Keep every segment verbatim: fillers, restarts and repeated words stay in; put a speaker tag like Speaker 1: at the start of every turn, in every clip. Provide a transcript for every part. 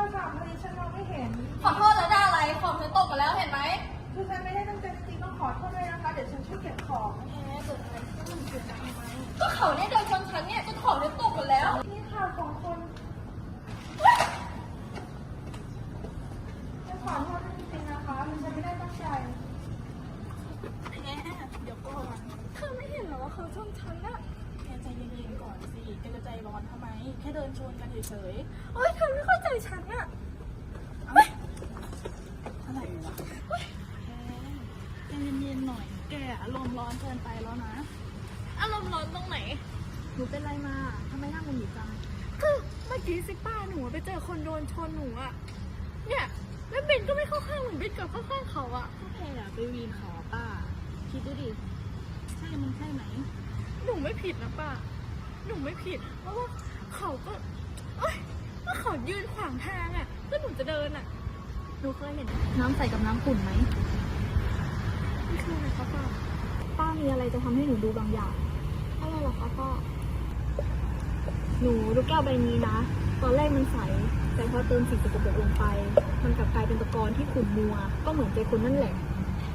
Speaker 1: ศัพท์พอดีฉันมองไม่เห็น
Speaker 2: ขอโทษแล้วได้อะไรคอมฉันตกไปแล้วเห็นไหม
Speaker 1: คือฉันไม่ได้ตั้งใจจริงๆต้องขอโทษด้วยนะคะเดี๋ยวฉันช่วยเก็บของ
Speaker 2: แหมเกิดอะไรขึ้นเกิดอะไรทำไมก็เขาเนี่ยเดินชนฉันเนี่ยจนของฉันตกหมดแล้ว
Speaker 1: นี่ข่าวของคนจะขอโทษจริงๆนะคะมันฉันไม่ได้ตั้งใจ
Speaker 2: แหมเดี๋ยวก่อนเธอไม่เห็นเหรอว่าเขาชนฉันอะแกใจเย็นๆก่อนสิแกจะใจร้อนทำไมแค่เดินชนกันเฉยๆเฮ้ยเธอไม่เข้าใจฉันอะอะไรวะใจเย็นๆหน่อยแกอารมณ์ร้อนเกินไปแล้วนะอารมณ์ร้อนตรงไหนหนูเป็นไรมาทำไมหน้ามึนหงิดจังคือเมื่อกี้สิป้าหนูไปเจอคนโดนชนหนูอะเนี่ยแล้วเบนก็ไม่เข้าข้างเหมือนเบนกับเข้าข้างเขาอะก็แกอะไปวีนเขาป้าคิดดูดิใช่มันใช่ไหมหนูไม่ผิดนะป้าหนูไม่ผิดเพราะว่าเขาก็เอ้ยก็เขายืนขวางทางอะก็หนูจะเดินอะหนูเคยเห็นน้ำใสกับน้ำขุ่นไหมไม่เคยนะคะป้าป้ามีอะไรจะทำให้หนูดูบางอย่างอะไรหรอคะป้าหนูดูแก้วใบนี้นะตอนแรกมันใสแต่พอเติมสิ่งสกปรกลงไปมันกลับกลายเป็นตะกอนที่ขุ่นมัวก็เหมือนใจคนนั่นแหละ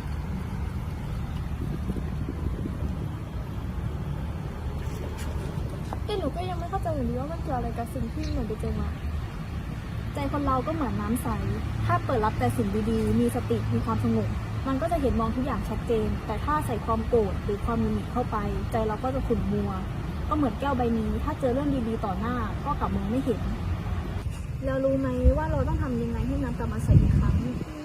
Speaker 2: แต่หนูก็ยังไม่เข้าใจอยู่ดีว่ามันเกี่ยวอะไรกับสิ่งที่หนูไปเจอมาใจคนเราก็เหมือนน้ำใสถ้าเปิดรับแต่สิ่งดีๆมีสติมีความสงบมันก็จะเห็นมองทุกอย่างชัดเจนแต่ถ้าใส่ความโกรธหรือความหงุดหงิดเข้าไปใจเราก็จะขุ่นมัวก็เหมือนแก้วใบนี้ถ้าเจอเรื่องดีๆต่อหน้าก็กลับมองไม่เห็นเรารู้ไหมว่าเราต้องทำยังไงให้น้ำกลับมาใสอีกครั้ง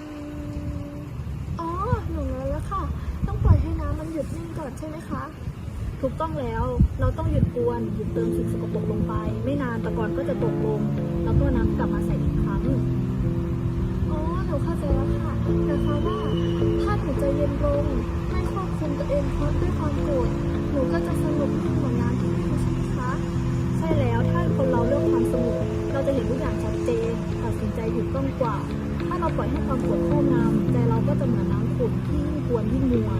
Speaker 2: อ๋อหนูรู้แล้วค่ะต้องปล่อยให้น้ำมันหยุดนิ่งก่อนใช่ไหมคะถูกต้องแล้วเราต้องหยุดกวนหยุดเติมสิ่งสกปรกลงไปไม่นานตะกอนก็จะตกลงแล้วก็น้ำกลับมาใสอีกครั้งอ๋อหนูเข้าใจแล้วค่ะนะคะว่าถ้าหนูใจเย็นลงไม่ควบคุมตัวเองเพราะด้วยความโกรธหนูก็จะสงบนิ่งเหมือนน้ำที่ไม่รู้ใช่ไหมคะใช่แล้วถ้าคนเราเลือกความสงบเราจะเห็นทุกอย่างชัดเจนตัดสินใจถูกต้องกว่าถ้าเราปล่อยให้ความโกรธครอบงำใจเราก็จะเหมือนน้ำขุ่นที่ยิ่งกวนยิ่งมัว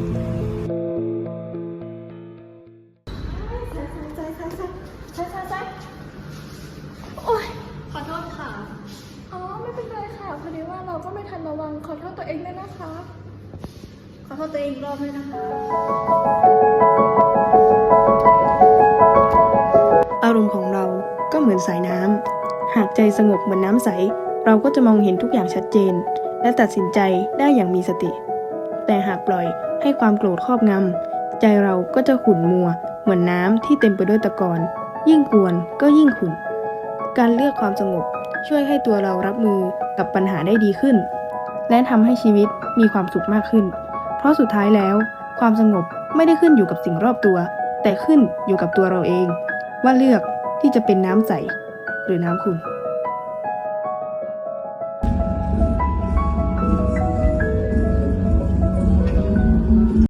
Speaker 2: โอ๊ยขอโทษค่ะอ๋อไม่เป็นไรค่ะพอดีว่าเราก็ไม่ทันระวังขอโทษตัวเองด้วยนะคะขอโทษตัวเองอีกรอบด้วยนะคะ
Speaker 3: อารมณ์ของเราก็เหมือนสายน้ำหากใจสงบเหมือนน้ำใสเราก็จะมองเห็นทุกอย่างชัดเจนและตัดสินใจได้อย่างมีสติแต่หากปล่อยให้ความโกรธครอบงำใจเราก็จะขุ่นมัวเหมือนน้ำที่เต็มไปด้วยตะกอนยิ่งกวนก็ยิ่งขุ่นการเลือกความสงบช่วยให้ตัวเรารับมือกับปัญหาได้ดีขึ้นและทำให้ชีวิตมีความสุขมากขึ้นเพราะสุดท้ายแล้วความสงบไม่ได้ขึ้นอยู่กับสิ่งรอบตัวแต่ขึ้นอยู่กับตัวเราเองว่าเลือกที่จะเป็นน้ำใสหรือน้ำขุ่น